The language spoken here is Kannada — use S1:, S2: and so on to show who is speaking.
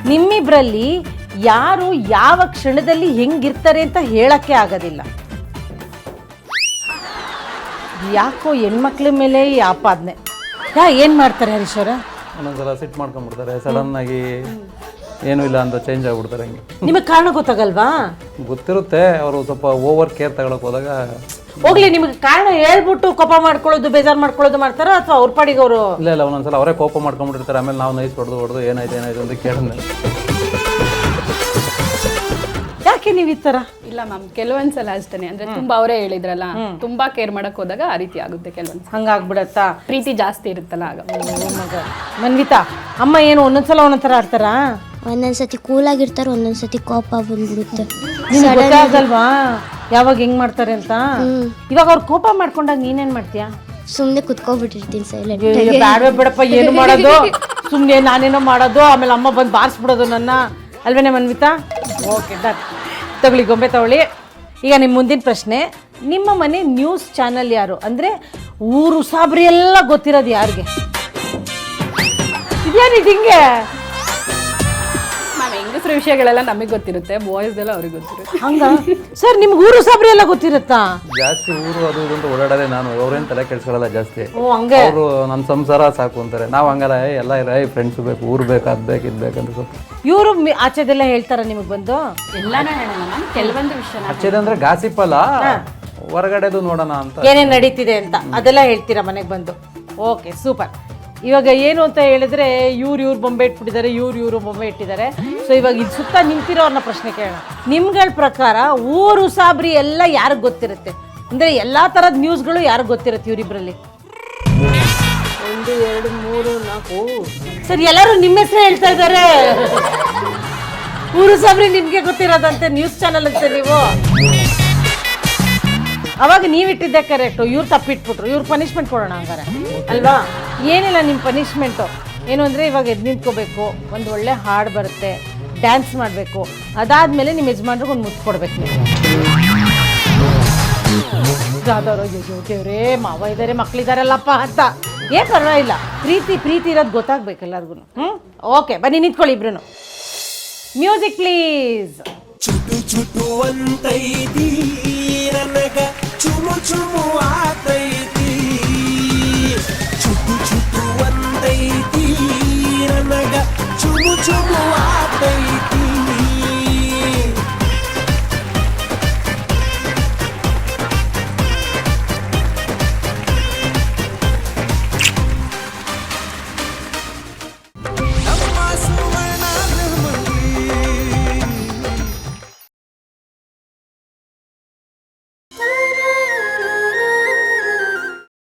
S1: ನಿಮ್ಮಿಬ್ರಲ್ಲಿ ಯಾರು ಯಾವ ಕ್ಷಣದಲ್ಲಿ ಹೆಂಗಿರ್ತಾರೆ ಅಂತ ಹೇಳಕ್ಕೆ ಆಗೋದಿಲ್ಲ. ಯಾಕೋ ಹೆಣ್ಮಕ್ಳ ಮೇಲೆ ಈ ಆಪಾದನೆ. ಏನು ಮಾಡ್ತಾರೆ ಹರೀಶ್ವರ?
S2: ಒಂದೊಂದ್ಸಲ ಸಿಟ್ ಮಾಡ್ಕೊಂಡ್ಬಿಡ್ತಾರೆ, ಸಡನ್ ಆಗಿ ಏನೂ ಇಲ್ಲ ಅಂತ ಚೇಂಜ್ ಆಗ್ಬಿಡ್ತಾರೆ. ಹಂಗೆ
S1: ನಿಮಗೆ ಕಾರಣ ಗೊತ್ತಾಗಲ್ವಾ?
S2: ಗೊತ್ತಿರುತ್ತೆ, ಅವರು ಸ್ವಲ್ಪ ಓವರ್ ಕೇರ್ ತಗೊಳಕ್ ಹೋದಾಗ.
S1: ಹೋಗ್ಲಿ, ನಿಮ್ಗೆ ಕಾರಣ ಹೇಳ್ಬಿಟ್ಟು ಕೋಪ ಮಾಡ್ಕೊಳ್ಳೋದು, ಬೇಜಾರು ಮಾಡ್ಕೊಳ್ಳೋದು ಮಾಡ್ತಾರ ಅಥವಾ ಅವ್ರ ಪಾಡಿಗೆ ಅವರು?
S2: ಇಲ್ಲ ಒಂದೊಂದ್ಸಲ ಅವರೇ ಕೋಪ ಮಾಡ್ಕೊಂಡ್ಬಿಟ್ಟಿರ್ತಾರೆ. ಆಮೇಲೆ ನಾವು ನೈಸ್ ಹೊಡೆದು ಏನಾಯ್ತು ಅಂತ ಕೇಳಿದ್ಮೇಲೆ
S1: ಯಾಕೆ ನೀವು ಈ ಥರ?
S3: ಇಲ್ಲ ಮ್ಯಾಮ್, ಕೆಲವೊಂದ್ಸಲ ಅಷ್ಟೇ. ಅಂದ್ರೆ ತುಂಬಾ ಅವರೇ ಹೇಳಿದ್ರಲ್ಲ, ತುಂಬಾ ಕೇರ್ ಮಾಡಕ್ ಹೋದಾಗ ಆ ರೀತಿ ಆಗುತ್ತೆ. ಕೆಲವೊಂದ್ಸಲ
S1: ಹಂಗಾಗ್ಬಿಡತ್ತಾ?
S3: ಪ್ರೀತಿ ಜಾಸ್ತಿ ಇರುತ್ತಲ್ಲ ಆಗ.
S1: ಮನ್ವಿತಾ, ಅಮ್ಮ ಏನು ಒಂದೊಂದ್ಸಲ ಒಂದೊಂಥರ ಆಡ್ತಾರಾ?
S4: ಒಂದೊಂದ್ಸತಿ ಕೂಲಾಗಿರ್ತಾರೆ, ಒಂದೊಂದ್ಸತಿ ಕೋಪ ಬಂದ್ಬಿಡುತ್ತೆ.
S1: ಗೊತ್ತಾಗಲ್ವಾ ಯಾವಾಗ ಹೆಂಗ್ ಮಾಡ್ತಾರೆ ಅಂತ? ಇವಾಗ ಅವ್ರು ಕೋಪ ಮಾಡ್ಕೊಂಡಾಗ ನೀನೇನ್ ಮಾಡ್ತೀಯಾ?
S4: ಸುಮ್ನೆ ಕುತ್ಕೊಬಿಟ್ಟಿರ್ತೀನಿ ಸೈಲೆಂಟ್.
S1: ಬ್ಯಾಡವೇ ಬಿಡಪ್ಪ, ಏನು ಮಾಡೋದು, ಸುಮ್ನೆ ನಾನೇನೋ ಮಾಡೋದು, ಆಮೇಲೆ ಅಮ್ಮ ಬಂದು ಬಾರಿಸ್ಬಿಡೋದು ನನ್ನ, ಅಲ್ವೇನೆ ಮನ್ವಿತಾ? ಓಕೆ ಡನ್, ತಗೊಳ್ಳಿ ಗೊಂಬೆ ತಗೊಳ್ಳಿ. ಈಗ ನಿಮ್ಮ ಮುಂದಿನ ಪ್ರಶ್ನೆ, ನಿಮ್ಮ ಮನೆ ನ್ಯೂಸ್ ಚಾನಲ್ ಯಾರು? ಅಂದರೆ ಊರು ಸಾಬ್ರಿ ಎಲ್ಲ ಗೊತ್ತಿರೋದು ಯಾರಿಗೆ? ಇದೇನಿದು ಹಿಂಗೆ?
S3: ಮ್ಯಾಮ್, ಹೆಂಗಸ್ರ ವಿಷಯಗಳೆಲ್ಲ ನಮಗೆ ಗೊತ್ತಿರುತ್ತೆ, ಬಾಯ್ಸ್ ಎಲ್ಲ ಅವ್ರಿಗೆ ಗೊತ್ತಿರುತ್ತೆ.
S1: ಹಂಗ ಸರ್, ನಿಮ್ಗೆ ಊರು ಸಾಬ್ರಿ ಎಲ್ಲ ಗೊತ್ತಿರುತ್ತಾ?
S2: ಜಾಸ್ತಿ ಊರು ಅದು ಇದು ಅಂತ ಓಡಾಡೋದೇ ನಾನು. ಅವ್ರೇನು ತಲೆ ಕೆಡ್ಸ್ಕೊಳ್ಳಲ್ಲ ಜಾಸ್ತಿ.
S1: ಓ ಹಂಗೆ.
S2: ಅವರು ನನ್ನ ಸಂಸಾರ ಸಾಕು ಅಂತಾರೆ. ನಾವು ಹಂಗಲ್ಲ, ಎಲ್ಲ ಇಲ್ಲ, ಫ್ರೆಂಡ್ಸ್ ಬೇಕು, ಊರು ಬೇಕು, ಅದು ಬೇಕು, ಇದು ಬೇಕಂತ ಸ್ವಲ್ಪ.
S1: ಇವರು ಆಚೆದೆಲ್ಲ ಹೇಳ್ತಾರ ನಿಮಗೆ ಬಂದು?
S3: ಎಲ್ಲಾನು ಹೇಳೋಣ ಮ್ಯಾಮ್, ಕೆಲವೊಂದು ವಿಷಯ
S2: ಹಚ್ಚೇದಂದ್ರೆ ಗಾಸಿಪ್ ಅಲ್ಲ, ಹೊರಗಡೆದು ನೋಡೋಣ ಅಂತ.
S1: ಏನೇನು ನಡೀತಿದೆ ಅಂತ ಅದೆಲ್ಲ ಹೇಳ್ತೀರಾ ಮನೆಗೆ ಬಂದು? Okay super. ಇವಾಗ ಏನು ಅಂತ ಹೇಳಿದ್ರೆ, ಇವ್ರು ಬೊಂಬೆ ಇಟ್ಬಿಟ್ಟಿದ್ದಾರೆ, ಇವ್ರು ಬೊಂಬೆ ಇಟ್ಟಿದ್ದಾರೆ. ಸೊ ಇವಾಗ ಇದು ಸುತ್ತ ನಿಂತಿರೋರ್ನ ಪ್ರಶ್ನೆ ಕೇಳೋಣ. ನಿಮ್ಗಳ ಪ್ರಕಾರ ಊರು ಸಾಬ್ರಿ ಎಲ್ಲ ಯಾರಿಗೆ ಗೊತ್ತಿರುತ್ತೆ? ಅಂದರೆ ಎಲ್ಲ ಥರದ ನ್ಯೂಸ್ಗಳು ಯಾರಿಗೆ ಗೊತ್ತಿರುತ್ತೆ ಇವರಿಬ್ಬರಲ್ಲಿ? 1 2 3 4 ಸರ್, ಎಲ್ಲರೂ ನಿಮ್ಮ ಹೆಸರು ಹೇಳ್ತಾ ಇದ್ದಾರೆ. ಊರು ಸಾಬ್ರಿ ನಿಮಗೆ ಗೊತ್ತಿರೋದಂತೆ, ನ್ಯೂಸ್ ಚಾನಲ್ ಅಂತೆ ನೀವು. ಅವಾಗ ನೀವಿಟ್ಟಿದ್ದೆ ಕರೆಕ್ಟು, ಇವ್ರು ತಪ್ಪಿಟ್ಬಿಟ್ರು. ಇವ್ರು ಪನಿಷ್ಮೆಂಟ್ ಕೊಡೋಣ ಹಂಗಾರೆ, ಅಲ್ವಾ? ಏನಿಲ್ಲ, ನಿಮ್ಮ ಪನಿಷ್ಮೆಂಟು ಏನು ಅಂದರೆ, ಇವಾಗ ಎದ್ದು ನಿಂತ್ಕೋಬೇಕು, ಒಂದು ಒಳ್ಳೆ ಹಾಡು ಬರುತ್ತೆ, ಡ್ಯಾನ್ಸ್ ಮಾಡಬೇಕು, ಅದಾದಮೇಲೆ ನಿಮ್ಮ ಯಜಮಾನ್ರಿಗೆ ಒಂದು ಮುತ್ತು ಕೊಡ್ಬೇಕು ನೀವು. ಯಾವ್ದಾರೋ ದೇವ್ರೇ, ಮಾವ ಇದ್ದಾರೆ, ಮಕ್ಕಳಿದಾರಲ್ಲಪ್ಪ ಅಂತ. ಪರವಾಗಿಲ್ಲ, ಪ್ರೀತಿ ಇರೋದು ಗೊತ್ತಾಗ್ಬೇಕು ಎಲ್ಲರಿಗೂ. ಓಕೆ, ಬನ್ನಿ ನಿಂತ್ಕೊಳ್ಳಿ ಇಬ್ರು. Music please.
S5: ಚುಟು ಚುಟು ಅಂತೈತಿ ನನಗ, ಚುಮು ಚುಮು ಆತೈತಿ. ಚುಟು ಚುಟು ಅಂತೈತಿ ನನಗ, ಚುಮು ಚುಮು